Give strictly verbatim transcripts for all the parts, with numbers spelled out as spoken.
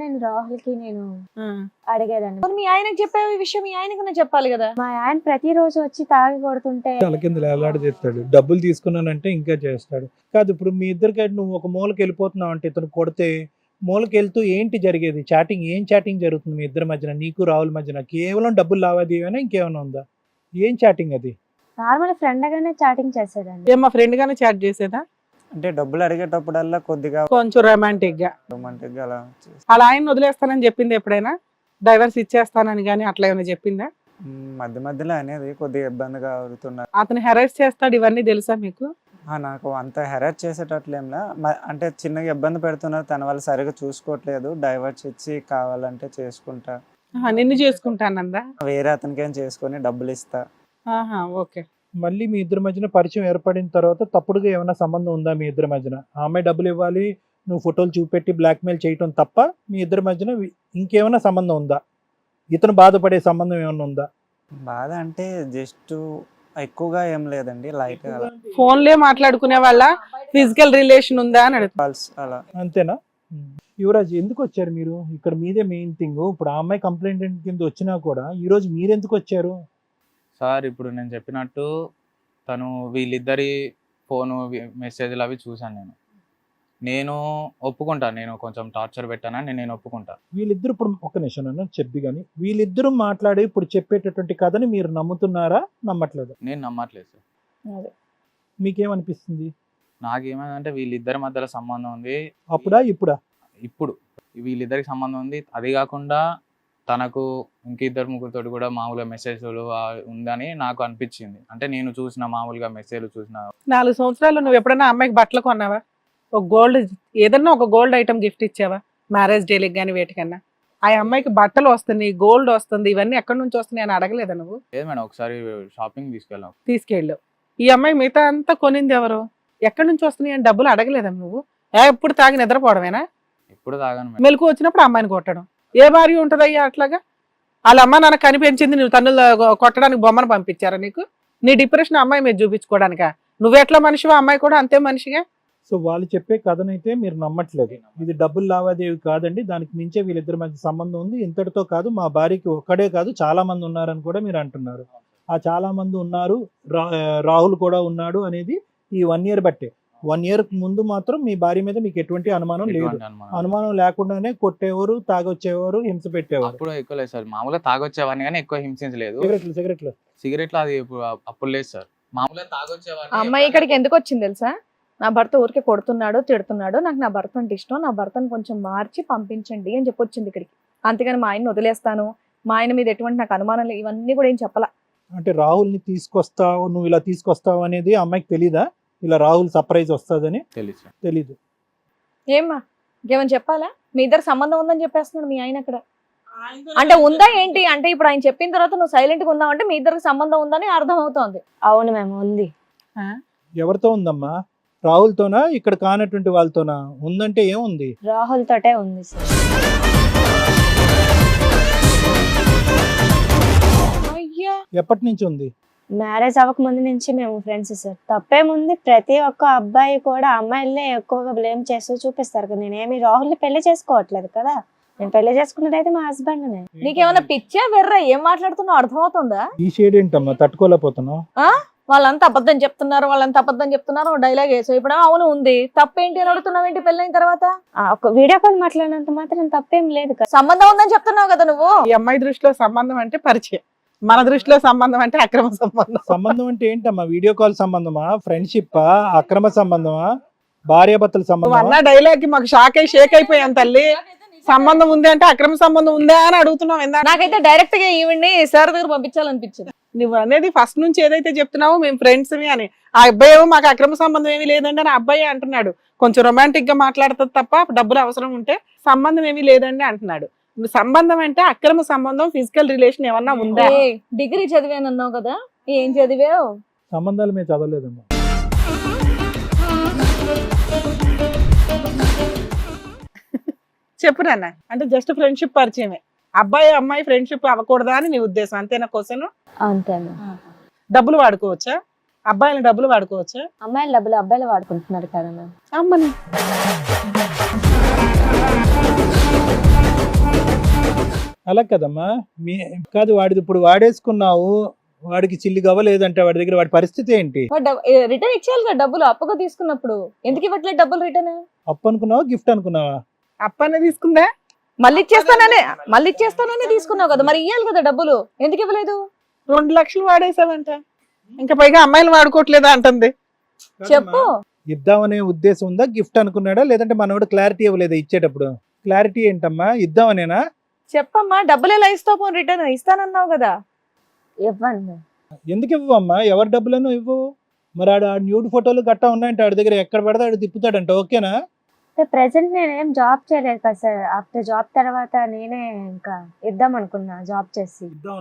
నేను రాహుల్కి నేను అడిగేదాన్ని. మీ ఆయనకి చెప్పే విషయం మీ ఆయనకన్నా చెప్పాలి కదా. మా ఆయన ప్రతిరోజు వచ్చి తాగి కొడుతుంటే తల కింద వేలాడి తెస్తాడు. డబ్బులు తీసుకున్నానంటే ఇంకా చేస్తాడు. కాదు ఇప్పుడు మీ ఇద్దరికి నువ్వు ఒక మూలకి వెళ్ళిపోతున్నావు అంటే ఇతను కొడితే మూలకి వెళ్తూ ఏంటి జరిగేది? చాటింగ్ ఏం చాటింగ్ జరుగుతుంది మీ ఇద్దరి మధ్యన, నీకు రాహుల్ మధ్యన? కేవలం డబ్బులు లావాదేవీనా ఇంకేమైనా ఉందా? ఏం చాటింగ్ అది? నార్మల్ ఫ్రెండ్ గానే చాటింగ్ చేసేదాన్ని. మా ఫ్రెండ్ గానే చాట్ చేసేదా? అంటే డబ్బులు అడిగేటప్పుడల్లా కొద్దిగా కొంచెం రొమాంటిక్ గా రొమాంటిక్ గా అలా చేసి- అలా ఆయన వదిలేస్తానని చెప్పింది ఎప్పుడైనా? డైవర్స్ ఇచ్చేస్తానని కానీ అట్లా ఏమైనా చెప్పిందా? మ్, మధ్య మధ్యలో అనేది కొద్దిగా ఇబ్బందిగా అవుతున్నారు. అతను హెరాస్ చేస్తాడు ఇవన్నీ తెలుసా మీకు? ఆ, నాకు అంత హెరాస్ చేసేటట్లేంలా మ- అంటే చిన్నగా ఇబ్బంది పెడుతున్నారు, తన వాళ్ళు సరిగా చూసుకోవట్లేదు, డైవర్స్ ఇచ్చి కావాలంటే చేసుకుంటా, ఆహా, నిన్ను చేసుకుంటానందా? వేరే అతనికి ఏం చేసుకొని డబ్బులు ఇస్తా. ఆహా, ఓకే. మళ్ళీ మీ ఇద్దరి మధ్యన పరిచయం ఏర్పడిన తర్వాత తప్పుడుగా ఏమైనా సంబంధం ఉందా మీ ఇద్దరి మధ్యన? ఆ అమ్మాయి డబ్బులు ఇవ్వాలి, నువ్వు ఫోటోలు చూపెట్టి బ్లాక్మెయిల్ చేయటం తప్ప మీ ఇద్దరి మధ్యన వి- ఇంకేమైనా సంబంధం ఉందా? ఇతను బాధపడే సంబంధం ఏమైనా ఉందా? బాధ అంటే జస్ట్ ఎక్కువగా ఏం లేదండి, లైట్ అలా ఫోన్లే మాట్లాడుకునే వాళ్ళ ఫిజికల్ రిలేషన్ ఉందా అని అడుగుతా. కాల్స్ అలా. అంతేనా? యువరాజ్ ఎందుకు వచ్చారు మీరు? ఇక్కడ మీదే మెయిన్ థింగ్. ఇప్పుడు ఆ అమ్మాయి కంప్లైంట్ కింద వచ్చినా కూడా ఈ రోజు మీరు ఎందుకు వచ్చారు? సార్ ఇప్పుడు నేను చెప్పినట్టు తను వీళ్ళిద్దరి ఫోను మెసేజ్లు అవి చూశాను. నేను నేను ఒప్పుకుంటా, నేను కొంచెం టార్చర్ పెట్టానని నేను ఒప్పుకుంటా. వీళ్ళిద్దరు ఇప్పుడు ఒక నిమిషం అన్న చెప్పి కానీ వీళ్ళిద్దరూ మాట్లాడి ఇప్పుడు చెప్పేటటువంటి కథని మీరు నమ్ముతున్నారా నమ్మట్లేదు? నేను నమ్మట్లేదు సార్. మీకేమనిపిస్తుంది? నాకేమైందంటే వీళ్ళిద్దరి మధ్యలో సంబంధం ఉంది. అప్పుడా ఇప్పుడా? ఇప్పుడు వీళ్ళిద్దరికి సంబంధం ఉంది. అది కాకుండా తనకు ఇంకిద్దరు ముగ్గురితో కూడా మామూలుగా మెసేజ్లు ఉందని నాకు అనిపించింది. అంటే నేను చూసిన మామూలుగా మెసేజ్లు చూసిన. నాలుగు సంవత్సరాలు నువ్వు ఎప్పుడైనా అమ్మాయికి బట్టలు కొన్నావా? ఒక గోల్డ్ ఏదన్నా ఒక గోల్డ్ ఐటమ్ గిఫ్ట్ ఇచ్చావా? మ్యారేజ్ డేలకు కానీ వేటికన్నా? ఆ అమ్మాయికి బట్టలు వస్తుంది, గోల్డ్ వస్తుంది, ఇవన్నీ ఎక్కడి నుంచి వస్తున్నాయి అని అడగలేదా నువ్వు? లేదు మేడం, ఒకసారి షాపింగ్ తీసుకెళ్ళాం. తీసుకెళ్ళు. ఈ అమ్మాయి మిగతా అంతా కొనింది ఎవరు? ఎక్కడి నుంచి వస్తున్నాయి అని డబ్బులు అడగలేదా నువ్వు? ఎప్పుడు తాగి నిద్రపోవడమేనా? ఎప్పుడు తాగాను మేడం. మెలకు వచ్చినప్పుడు అమ్మాయిని కొట్టడం ఏ భార్య ఉంటుందయ్యా అట్లాగా? వాళ్ళ అమ్మ నాన్న కనిపించింది, నువ్వు తన్నులు కొట్టడానికి బొమ్మను పంపించారా నీకు? నీ డిప్రెషన్ అమ్మాయి మీద చూపించుకోవడానికా? నువ్వెట్లా మనిషివా అమ్మాయి కూడా అంతే మనిషిగా. సో వాళ్ళు చెప్పే కథనైతే మీరు నమ్మట్లేదు. ఇది డబ్బులు లావాదేవి కాదండి, దానికి మించే వీళ్ళిద్దరి మధ్య సంబంధం ఉంది, ఇంతటితో కాదు మా భార్యకి ఒక్కడే కాదు చాలా మంది ఉన్నారని కూడా మీరు అంటున్నారు. ఆ చాలా మంది ఉన్నారు, రా- రాహుల్ కూడా ఉన్నాడు అనేది ఈ వన్ ఇయర్ బట్టే. వన్ ఇయర్ ముందు మాత్రం మీ భార్య మీద మీకు ఎటువంటి అనుమానం లేదు. ఎటువంటి అనుమానం లేదు. అనుమానం లేకుండానే కొట్టేవారు, తాగొచ్చేవారు, హింస పెట్టేవారు. అప్పుడు ఎక్కువ లేదు సార్, మామూలుగా తాగొచ్చేవాడిని కానీ ఎక్కువ హింసించలేదు. సిగరెట్లు సిగరెట్లు సిగరెట్లు అది ఇప్పుడు అప్పుడు లేదు సార్, మామూలుగా తాగొచ్చేవాడిని. ఆ అమ్మాయి ఇక్కడికి ఎందుకు వచ్చింది తెలుసా? నా భర్త ఊరికే కొడుతున్నాడు, తిడుతున్నాడు, నాకు నా భర్త అంటే ఇష్టం, నా భర్తను కొంచెం మార్చి పంపించండి అని చెప్పి వచ్చింది ఇక్కడికి. అంతేగాని మా ఆయన్ని వదిలేస్తాను, మా ఆయన మీద ఎటువంటి నాకు అనుమానం లేదు, ఇవన్నీ కూడా ఏం చెప్పలా. అంటే రాహుల్ని తీసుకొస్తావు, నువ్వు ఇలా తీసుకొస్తావు అనేది అమ్మాయికి తెలీదా? ఇలా రాహుల్ సర్ప్రైజ్ వస్తుందని తెలుసు సార్. తెలీదు. ఏమ్మా ఇంకేమని చెప్పాలా? మీ ఇద్దరు సంబంధం ఉందని చెప్పేస్తున్నాడు మీ ఆయన అక్కడ. అంటే ఉందా ఏంటి అంటే ఇప్పుడు ఆయన చెప్పిన తర్వాత నువ్వు సైలెంట్ గా ఉన్నావు అంటే మీ ఇద్దరికి సంబంధం ఉందని అర్థం అవుతోంది. అవును మేము ఉంది. ఎవరితో ఉందమ్మా? రాహుల్తోనా ఇక్కడ కానటువంటి వాళ్ళతోనా? ఉందంటే ఏముంది? రాహుల్ తోటే ఉంది సార్. అయ్యా ఎప్పటి నుంచి ఉంది? మ్యారేజ్ అవ్వక ముందు నుంచి మేము ఫ్రెండ్స్ సార్. తప్పేముంది, ప్రతి ఒక్క అబ్బాయి కూడా అమ్మాయిలనే ఎక్కువగా బ్లేమ్ చేస్తూ చూపిస్తారు కదా. నేనేమి రాహుల్ని పెళ్లి చేసుకోవట్లేదు కదా, నేను పెళ్లి చేసుకున్నది అయితే మా హస్బెండ్ నే. నీకేమైనా పిచ్చా వెర్రా? ఏం మాట్లాడుతున్నావు అర్థమవుతుందా? ఈ షేడ్ ఏంటమ్మా తట్టుకోలేకపోతున్నావు? ఆ వాళ్ళంతా అబద్ధం చెప్తున్నారు, వాళ్ళంతా అబద్ధం చెప్తున్నారు, డైలాగ్ వేసావు. ఇప్పుడు అవును ఉంది, తప్పేంటి అని అడుగుతున్నావు ఏంటి పెళ్ళైన తర్వాత? ఆ, ఒక వీడియో కాల్ మాట్లాడినంత మాత్రం తప్పేం లేదు కదా. సంబంధం ఉందని చెప్తున్నావు కదా నువ్వు. ఈ అమ్మాయి దృష్టిలో సంబంధం అంటే పరిచయం, మన దృష్టిలో సంబంధం అంటే అక్రమ సంబంధం. సంబంధం అంటే ఏంటమ్మా? వీడియో కాల్ సంబంధమా, ఫ్రెండ్షిప్, అక్రమ సంబంధమా, భార్యాభర్తల నువ్వు సంబంధమా? అన్న డైలాగ్ కి మాకు షాక్ అయి షేక్ అయిపోయాం తల్లి. సంబంధం ఉంది అంటే అక్రమ సంబంధం ఉందా అని అడుగుతున్నావు. ఎందా నాకైతే డైరెక్ట్ గా ఈవిడ్ని సార్ దగ్గర పంపించాలనిపించింది. నువ్వు అనేది ఫస్ట్ నుంచి ఏదైతే చెప్తున్నావో మేము ఫ్రెండ్స్ అని, ఆ అబ్బాయి ఏమో మాకు అక్రమ సంబంధం ఏమీ లేదండి అని అబ్బాయి అంటున్నాడు. కొంచెం రొమాంటిక్ గా మాట్లాడుతుంది తప్ప డబ్బులు అవసరం ఉంటే సంబంధం ఏమీ లేదండి అంటున్నాడు. సంబంధం అంటే అక్రమ సంబంధం, ఫిజికల్ రిలేషన్ ఏమన్నా ఉందా? ఏ, డిగ్రీ చదివానన్నావు కదా, ఏం చదివావు? సంబంధాలు మేము చదవలేదమ్మా. చెప్పు నాన్న. అంటే జస్ట్ ఫ్రెండ్షిప్ పరిచయమే, అబ్బాయి అమ్మాయి ఫ్రెండ్షిప్ అవ్వకూడదా అని నీ ఉద్దేశం అంతేనా? క్వశ్చన్ అంతేనా? డబ్బులు వాడుకోవచ్చా? అబ్బాయిలు డబ్బులు వాడుకోవచ్చా? అమ్మాయిలు డబ్బులు అబ్బాయిలు వాడుకుంటున్నారు కదా మ్యామ్. అమ్మని అలా కదమ్మా, మీ కాదు వాడిది ఇప్పుడు వాడేసుకున్నావు, వాడికి చిల్లి గవ్వలేదంటే వాడి దగ్గర వాడి పరిస్థితి ఏంటి? రిటర్న్ ఇచ్చేయాలి కదా డబ్బులు, అప్పుగా తీసుకున్నప్పుడు ఎందుకు ఇవ్వట్లేదు డబ్బులు రిటర్న్? అప్పు అనుకున్నావా గిఫ్ట్ అనుకున్నావా? అప్పనే తీసుకుందా? మళ్ళీ ఇచ్చేస్తాననే మళ్ళీ ఇచ్చేస్తాననే తీసుకున్నావు కదా, మరి ఇవ్వాలి కదా డబ్బులు, ఎందుకు ఇవ్వలేదు? రెండు లక్షలు వాడేసావంట, ఇంకా పైగా అమ్మాయిలు వాడుకోవట్లేదా అంటుంది. చెప్పు. ఇద్దామనే ఉద్దేశం ఉందా, గిఫ్ట్ అనుకున్నాడా, లేదంటే మనోడు క్లారిటీ ఇవ్వలేదా ఇచ్చేటప్పుడు? క్లారిటీ ఏంటమ్మా, ఇద్దామనేనా? చెప్పమ్మా, డబ్బులు ఎలా ఇస్తావు? పోనీ రిటర్న్ ఇస్తానన్నావు కదా. ఇవ్వండి మ్యామ్. ఎందుకు ఇవ్వమ్మా, ఎవరి డబ్బులను ఇవ్వు? మరి ఆడు ఆ న్యూడ్ ఫోటోలు గట్టా ఉన్నాయంటే ఆడి దగ్గర ఎక్కడ పడితే ఆడు తిప్పుతాడంట, ఓకేనా? ప్రెసెంట్ నేనేం జాబ్ చేయలేదు కదా సార్. ఆఫ్టర్ జాబ్ తర్వాత నేనే ఇంకా ఇద్దాం అనుకున్నా జాబ్ చేసి.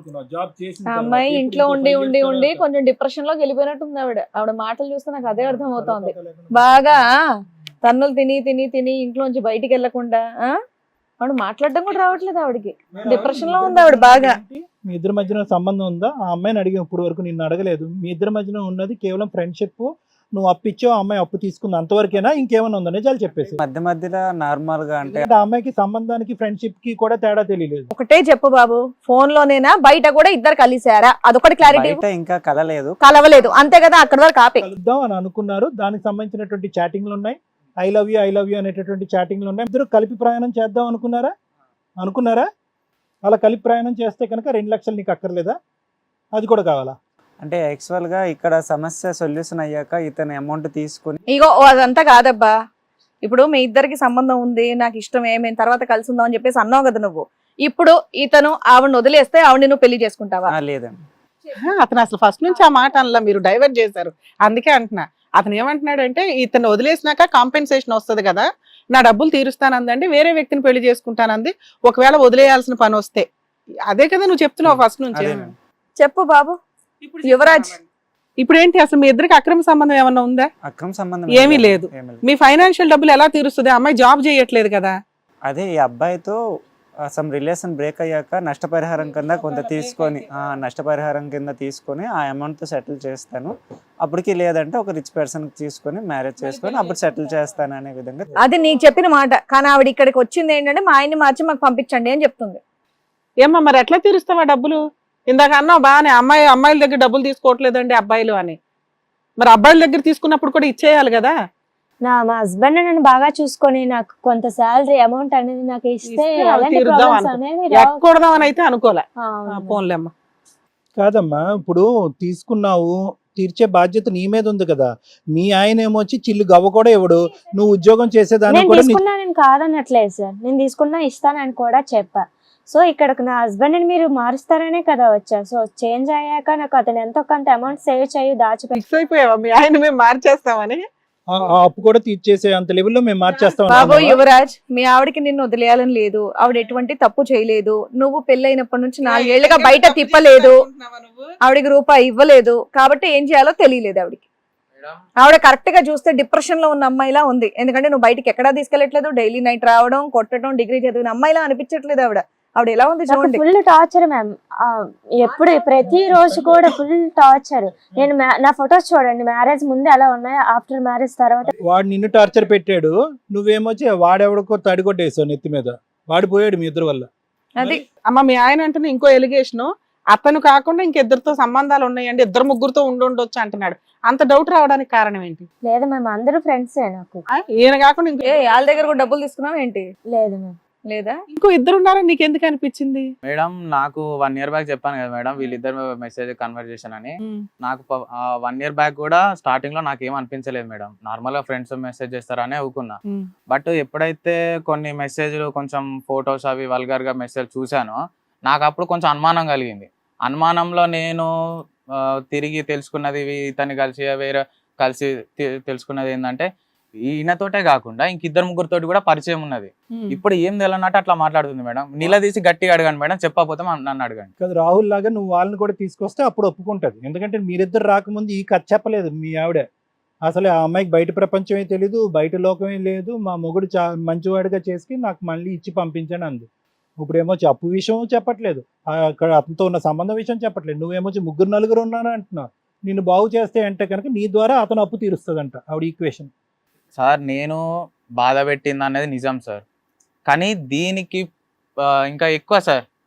ఆ అమ్మాయి ఇంట్లో ఉండి ఉండి ఉండి కొంచెం డిప్రెషన్ లోకి వెళ్ళిపోయినట్టుంది ఆవిడ. ఆవిడ మాటలు చూస్తే నాకు అదే అర్థం అవుతోంది. బాగా తన్నులు తిని తిని తిని ఇంట్లోంచి బయటికి వెళ్లకుండా ఆ ఆవిడ మాట్లాడడం కూడా రావట్లేదు ఆవిడకి. డిప్రెషన్ లో ఉంది ఆవిడ బాగా. మీ ఇద్దరి మధ్యన సంబంధం ఉందా? ఆ అమ్మాయిని అడిగి ఇప్పుడు వరకు నిన్ను అడగలేదు. మీ ఇద్దరి మధ్యన ఉన్నది కేవలం ఫ్రెండ్షిప్, నువ్వు అప్పు ఇచ్చావు, అమ్మాయి అప్పు తీసుకుంది, అంతవరకేనా? ఇంకేమైనా ఉందా? నిజాలు చెప్పేసి. మధ్య మధ్యలో నార్మల్ గా అంటే ఆ అమ్మాయికి సంబంధానికి ఫ్రెండ్షిప్ కి కూడా తేడా తెలియలేదు. ఒకటే చెప్పు బాబు, ఫోన్ లోనేనా బయట కూడా ఇద్దరు కలిసారా? అదొకటి క్లారిటీ. బయట ఇంకా కలలేదు కలవలేదు అంతే కదా, అక్కడ వరకు ఆపే. కలుద్దాం అని అనుకున్నారు, దానికి సంబంధించినటువంటి చాటింగ్లు ఉన్నాయి, I love you I love you అనేటటువంటి చాటింగ్లు ఉన్నాయి. ఇద్దరు కలిపి ప్రయాణం చేద్దాం అనుకున్నారా? అనుకున్నారా? అలా కలిపి ప్రయాణం చేస్తే కనుక రెండు లక్షలు నీకు అక్కర్లేదా? అది కూడా కావాలా? అంటే యాక్చువల్ గా ఇక్కడ సమస్య సొల్యూషన్ అయ్యాక ఇతను అమౌంట్ తీసుకుని ఇగో ఓ అదంతా కాదబ్బా. ఇప్పుడు మీ ఇద్దరికి సంబంధం ఉంది, నాకు ఇష్టమే, మేము తర్వాత కలిసి ఉందాం అని చెప్పేసి అన్నావు కదా నువ్వు. ఇప్పుడు ఇతను ఆవిడని వదిలేస్తే ఆవిడ నువ్వు పెళ్లి చేసుకుంటావా? ఆ, లేదండి. అతను అసలు ఫస్ట్ నుంచి ఆ మాట అనలా, మీరు డైవర్ట్ చేశారు. అందుకే అంటున్నా, అతను ఏమంటున్నాడు అంటే ఇతను వదిలేసినాక కాంపెన్సేషన్ వస్తుంది కదా, నా డబ్బులు తీరుస్తానందండి, వేరే వ్యక్తిని పెళ్లి చేసుకుంటానంది, ఒకవేళ వదిలేయాల్సిన పని వస్తే. అదే కదా నువ్వు చెప్తున్నావు ఫస్ట్ నుంచి. అదేనండి. చెప్పు బాబు. యువరాజ్, ఇప్పుడు ఏంటి అసలు మీ ఇద్దరికి అక్రమ సంబంధం ఏమన్నా ఉందా? అక్రమ సంబంధం ఏమీ లేదు. మీ ఫైనాన్షియల్ డబ్బులు ఎలా తీరుస్తుంది? అమ్మాయి జాబ్ చేయట్లేదు కదా. అదే ఈ అబ్బాయితో సమ్ రిలేషన్ బ్రేక్ అయ్యాక నష్టపరిహారం కింద కొంత తీసుకొని ఆ నష్టపరిహారం కింద తీసుకొని ఆ అమౌంట్ తో సెటిల్ చేస్తాను, అప్పటికి లేదంటే ఒక రిచ్ పర్సన్ తీసుకొని మ్యారేజ్ చేసుకొని అప్పుడు సెటిల్ చేస్తాను అనే విధంగా. అది నీకు చెప్పిన మాట, కానీ ఆవిడ ఇక్కడికి వచ్చింది ఏంటంటే మా ఆయన్ని మార్చి మాకు పంపించండి అని చెప్తుంది. ఏమ్మా మరి ఎట్లా తీరుస్తావా డబ్బులు? ఇందాక అన్నావు బాగానే, అమ్మాయి అమ్మాయిల దగ్గర డబ్బులు తీసుకోవట్లేదండి అబ్బాయిలు అని. మరి అబ్బాయిల దగ్గర తీసుకున్నప్పుడు కూడా ఇచ్చేయాలి కదా. నా మా హస్బెండ్ నన్ను బాగా చూసుకొని నాకు కొంత శాలరీ అమౌంట్ అనేది నాకు ఇస్తే ఇస్తే అవి అలాంటి తీరుద్దాం ప్రాబ్లమ్స్ అనుకో. అనేవి రావు. ఎక్కకూడదామని అయితే అనుకోలే. ఆ, అవును. పోన్లేమ్మా. కాదమ్మా, ఇప్పుడు తీసుకున్నావు, తీర్చే బాధ్యత నీ మీద ఉంది కదా. మీ ఆయన ఏమొచ్చి చిల్లు గవ్వ కూడా ఇవ్వడు, నువ్వు ఉద్యోగం చేసేదాన్ని నేను కూడా నీ- తీసుకున్నా, నేను కాదనట్లేదు సార్, నేను తీసుకున్నా ఇస్తానని కూడా చెప్పా. సో ఇక్కడ నా హస్బెండ్ మీరు మారుస్తారనే కదా వచ్చా. సో చేంజ్ అయ్యాక నాకు అతను ఎంతో కొంత అమౌంట్ సేవ్ చేయి దాచిపెట్టి. ఫిక్స్ అయిపోయావా మీ ఆయన మేము మార్చేస్తామని? ఆ- ఆ అప్పు కూడా తీర్చేసే అంత లెవెల్లో మేము మార్చేస్తాం బాబు అనుకున్నావా? యువరాజ్, మీ ఆవిడకి నిన్ను వదిలేయాలని లేదు, ఆవిడ ఎటువంటి తప్పు చేయలేదు. నువ్వు పెళ్ళైనప్పటి నుంచి నాలుగేళ్లుగా బయట తిప్పలేదు, ఆవిడకి రూపాయి ఇవ్వలేదు, కాబట్టి ఏం చేయాలో తెలియలేదు ఆవిడకి. ఆవిడ కరెక్ట్ గా చూస్తే డిప్రెషన్ లో ఉన్న అమ్మాయిలా ఉంది. ఎందుకంటే నువ్వు బయటికి ఎక్కడా తీసుకెళ్లట్లేదు, డైలీ నైట్ రావడం, కొట్టడం, డిగ్రీ చదివిన అమ్మాయిలా అనిపించట్లేదు ఆవిడ. ఆవిడ ఎలా ఉంది చూడండి. ఫుల్ టార్చర్ మ్యామ్, ఎప్పుడు ప్రతి రోజు కూడా ఫుల్ టార్చర్. నేను మా- నా ఫొటోస్ చూడండి, మ్యారేజ్ ముందు ఎలా ఉన్నాయో ఆఫ్టర్ మ్యారేజ్ తర్వాత. వాడు నిన్ను టార్చర్ పెట్టాడు, నువ్వేమొచ్చి వాడెవడికో తడిగొట్టేసావు నెత్తి మీద, వాడు పోయాడు మీ ఇద్దరు వల్ల. అది అమ్మ మీ ఆయన అంటున్నా ఇంకో ఎలిగేషన్, అతను కాకుండా ఇంకిద్దరితో సంబంధాలు ఉన్నాయండి, ఇద్దరు ముగ్గురుతో ఉండుండొచ్చు అంటున్నాడు. అంత డౌట్ రావడానికి కారణం ఏంటి? లేదు మ్యామ్, అందరూ ఫ్రెండ్సే నాకు. ఆ, ఈయన కాకుండా ఇంకో ఏ వాళ్ళ దగ్గర కూడా డబ్బులు తీసుకున్నావు ఏంటి? లేదు మ్యామ్. లేదా ఇంకో ఇద్దరు ఉన్నారని నీకు ఎందుకు అనిపించింది? మేడం నాకు వన్ ఇయర్ బ్యాక్ చెప్పాను కదా మేడం, వీళ్ళిద్దరు మెసేజ్ కన్వర్జేషన్ అని. నాకు వన్ ఇయర్ బ్యాక్ కూడా స్టార్టింగ్ లో నాకు ఏం అనిపించలేదు మేడం, నార్మల్ గా ఫ్రెండ్స్ మెసేజ్ చేస్తారని ఊకున్నా. బట్ ఎప్పుడైతే కొన్ని మెసేజ్లు కొంచెం ఫొటోస్ అవి వల్గర్ గా మెసేజ్ చూసానో నాకు అప్పుడు కొంచెం అనుమానం కలిగింది. అనుమానంలో నేను ఆ, తిరిగి తెలుసుకున్నది ఇతన్ని కలిసి వేరే కలిసి తె- తెలుసుకున్నది ఏంటంటే ఈయనతోటే కాకుండా ఇంకిద్దరు ముగ్గురితోటి కూడా పరిచయం ఉన్నది. ఇప్పుడు ఏం తెలియనట్టు అట్లా మాట్లాడుతుంది మేడం. నిలదీసి గట్టిగా అడగండి మేడం, చెప్పకపోతే మా- నన్ను అడగండి. కదా రాహుల్ లాగా నువ్వు వాళ్ళని కూడా తీసుకొస్తే అప్పుడు ఒప్పుకుంటది. ఎందుకంటే మీరిద్దరు రాకముందు ఈ కథ చెప్పలేదు మీ ఆవిడ. అసలు ఆ అమ్మాయికి బయట ప్రపంచమే తెలీదు, బయట లోకమే లేదు, మా మొగుడు చా మంచివాడిగా చేసి నాకు మళ్ళీ ఇచ్చి పంపించాను అంది. ఇప్పుడేమో అప్పు విషయం చెప్పట్లేదు, ఆ అక్కడ అతనితో ఉన్న సంబంధం విషయం చెప్పట్లేదు, నువ్వేమొచ్చి ముగ్గురు నలుగురు ఉన్నాను అంటున్నావు. నిన్ను బాగు చేస్తే అంటే కనుక నీ ద్వారా అతను అప్పు తీరుస్తుందంట ఆవిడ ఈక్వేషన్. సార్ నేను బాధ పెట్టింది అనేది నిజం సార్, కానీ దీనికి ఆ, ఇంకా ఎక్కువ సార్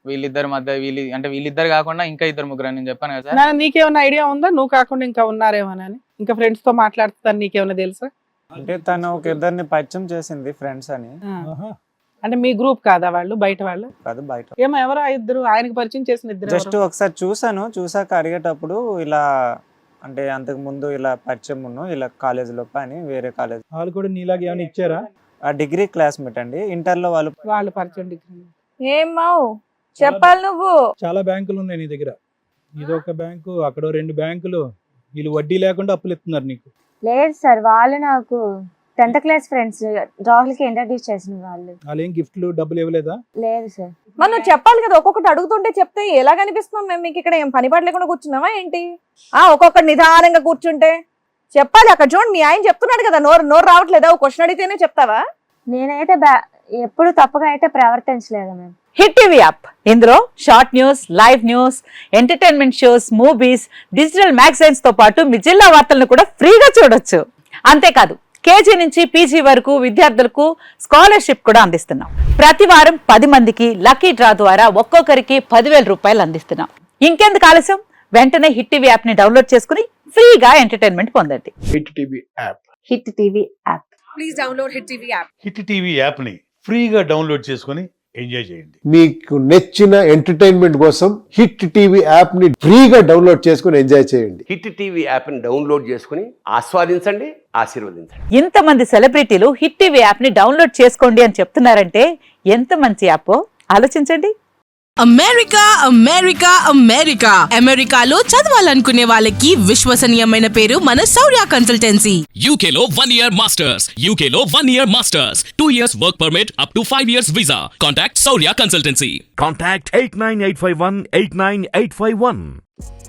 వీళ్ళిద్దరి మధ్య వీళ్ళు అంటే వీళ్ళిద్దరు కాకుండా ఇంకా ఇద్దరు ముగ్గురు అని నేను చెప్పాను కదా సార్. నా- నీకేమైనా ఐడియా ఉందా నువ్వు కాకుండా ఇంకా ఉన్నారేమోనని? ఇంకా ఫ్రెండ్స్ తో మాట్లాడుతాను నీకేమైనా తెలుసా? అంటే తను ఒక ఇద్దరిని పరిచయం చేసింది ఫ్రెండ్స్ అని. ఆ. ఆహా. అంటే మీ గ్రూప్ కాదా వాళ్ళు, బయట వాళ్ళు? కాదు బయట. ఏమో ఎవరో ఆ ఇద్దరు ఆయనకి పరిచయం చేసిన ఇద్దరు జస్ట్ ఒకసారి చూసాను, చూసాక అడిగేటప్పుడు ఇలా అంటే అంతకు ముందు ఇలా పరిచయం ఉన్నాం ఇలా కాలేజ్ లో అని వేరే కాలేజ్ వాళ్ళు కూడా నీలాగా ఏమైనా ఇచ్చారా? ఆ డిగ్రీ క్లాస్మేట్ అండి. ఇంటర్ లో వాళ్ళు వాళ్ళు పరిచయం డిగ్రీ. ఏం మావు చెప్పాలి నువ్వు. చాలా బ్యాంకులు ఉన్నాయి నీ దగ్గర. ఇదొక బ్యాంకు, అక్కడ రెండు బ్యాంకులు, వీళ్ళు వడ్డీ లేకుండా అప్పులు ఇస్తున్నారు నీకు. లేదు సార్, వాళ్ళు నాకు టెన్త్ క్లాస్ ఫ్రెండ్స్, రాహుల్కి ఇంట్రడ్యూస్ చేసిన వాళ్ళు. వాళ్ళు ఏం గిఫ్ట్లు డబ్బులు ఇవ్వలేదా? లేదు సార్. మరి నువ్వు చెప్పాలి కదా, ఒక్కొక్కటి అడుగుతుంటే చెప్తే ఎలా కనిపిస్తున్నాం మేము మీకు ఇక్కడ? ఏం పని పాట లేకుండా కూర్చున్నావా ఏంటి? ఆ ఒక్కొక్కటి నిదానంగా కూర్చుంటే చెప్పాలి. అక్కడ చూడండి మీ ఆయన చెప్తున్నాడు కదా, నోరు నోరు రావట్లేదా? ఒక క్వశ్చన్ అడిగితేనే చెప్తావా? నేనైతే బ్యా- ఎప్పుడు తప్పుగా అయితే ప్రవర్తించలేదు మేము. హిట్ టీవీ యాప్ ఇందులో short news, live news, entertainment shows, movies, digital magazines తో పాటు మీ జిల్లా వార్తలను కూడా ఫ్రీగా చూడొచ్చు. అంతేకాదు కేజీ నుంచి పీజీ వరకు విద్యార్థులకు స్కాలర్షిప్ కూడా అందిస్తున్నాం. ప్రతి వారం పది మందికి లక్కీ డ్రా ద్వారా ఒక్కొక్కరికి పదివేల రూపాయలు అందిస్తున్నాం. ఇంకెందుకు ఆలస్యం, వెంటనే హిట్ టీవీ యాప్ ని డౌన్లోడ్ చేసుకుని ఫ్రీగా ఎంటర్టైన్మెంట్ పొందండి. Hit TV app hit TV app please download hit TV app. Hit TV యాప్ని ఫ్రీగా డౌన్లోడ్ చేసుకొని ఎంజాయ్ చేయండి. మీకు నచ్చిన ఎంటర్టైన్మెంట్ కోసం హిట్ టీవీ యాప్ ని ఫ్రీగా డౌన్లోడ్ చేసుకుని ఎంజాయ్ చేయండి. హిట్ టీవీ యాప్ని డౌన్లోడ్ చేసుకుని ఆస్వాదించండి, ఆశీర్వదించండి. ఇంతమంది సెలబ్రిటీలు హిట్ టీవీ యాప్ ని డౌన్లోడ్ చేసుకోండి అని చెప్తున్నారంటే ఎంత మంచి యాప్ ఆలోచించండి. అమెరికా అమెరికా అమెరికా అమెరికాలో చదవాలనుకునే వాళ్ళకి విశ్వసనీయమైన పేరు మన శౌర్య కన్సల్టెన్సీ. యూకేలో వన్ ఇయర్ మాస్టర్స్ యూకేలో one year masters two years work permit up to five years visa. Contact Shaurya consultancy. Contact eight nine eight five one eight nine eight five one.